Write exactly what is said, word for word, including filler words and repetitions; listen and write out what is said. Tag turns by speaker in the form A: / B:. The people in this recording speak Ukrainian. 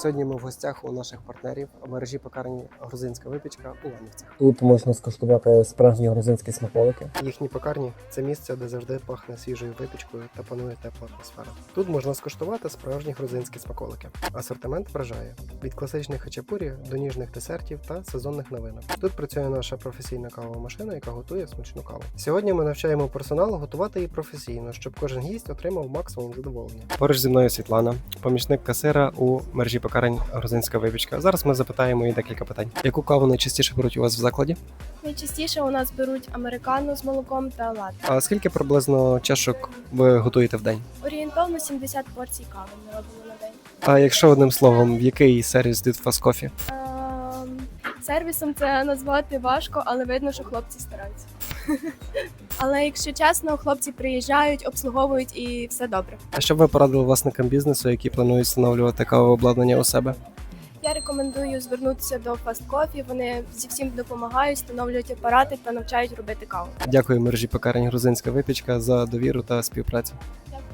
A: Сьогодні ми в гостях у наших партнерів мережі пекарні «Грузинська випічка» у Ланівцях.
B: Тут можна скуштувати справжні грузинські смаколики.
A: Їхні пекарні – це місце, де завжди пахне свіжою випічкою та панує тепла атмосфера. Тут можна скуштувати справжні грузинські смаколики. Асортимент вражає – від класичних хачапурі до ніжних десертів та сезонних новинок. Тут працює наша професійна кавова машина, яка готує смачну каву. Сьогодні ми навчаємо персонал готувати її професійно, щоб кожен гість отримав максимум задоволення. Поруч зі мною Світлана, помічник касира у мережі пекарень «Грузинська випічка». Зараз ми запитаємо її декілька питань. Яку каву найчастіше беруть у вас в закладі?
C: Найчастіше у нас беруть американо з молоком та латте.
A: А скільки приблизно чашок ви готуєте в день?
C: Орієнтовно сімдесят порцій кави ми робимо на день.
A: А якщо одним словом, в який сервіс Dude Fast Coffee?
C: Ем, сервісом це назвати важко, але видно, що хлопці стараються. Але якщо чесно, хлопці приїжджають, обслуговують і все добре.
A: А що б ви порадили власникам бізнесу, які планують встановлювати кавове обладнання у себе?
C: Я рекомендую звернутися до Fast Coffee, вони зі всім допомагають, встановлюють апарати та навчають робити каву.
A: Дякую мережі пекарень «Грузинська випічка» за довіру та співпрацю.
C: Дякую.